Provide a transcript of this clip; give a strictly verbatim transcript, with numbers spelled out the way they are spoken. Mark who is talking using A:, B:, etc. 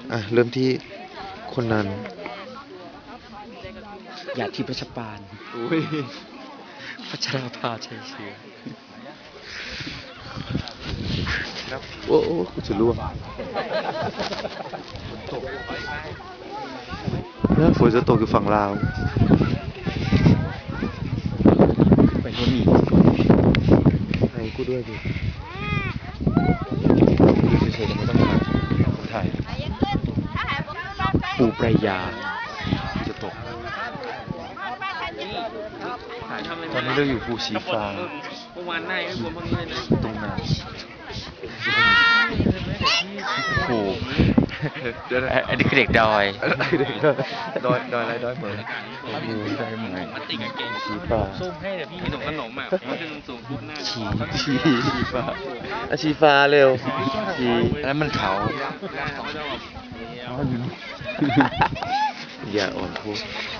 A: อ่ะเริ่มที่คนนั้น
B: อยากที่ประชปาน
A: อุ้ย
B: พัชราภาชัยเชื้อ
A: ครับโอ้โอ้กูจะล่วงแล้วฝนจะตกอยู่ฝั่งลาว
B: ไปหัวหมี
A: ให้กูด้วยดิ
B: ดูเฉยๆไม่ต้องถ่ายถ่ายปูปรายา
A: จะตก
B: ตอนนี้เราอยู่ภูชีฟ้า
C: เมื่อวานหน้าไม่ควรพังเลยนะ
B: ตรงนั้นโอ้โห
A: เดี๋ยวนะ
B: อันนี้คือเด็กดอย
A: เด็กดอยดอยอะไรดอยเหมือน
B: โอ้โหได้ไหม
C: มันติดกับเก่ง
B: ชีฟ้า
C: ส้มให้เดี๋ยวพี่ขนมขนมอ่ะมันจะสูงปุ๊บหน้า
B: ชี
A: ชีฟ้าอาชีฟ้าเร็วชี
B: แล้วมันเขา
A: อย่าอ่อนพูด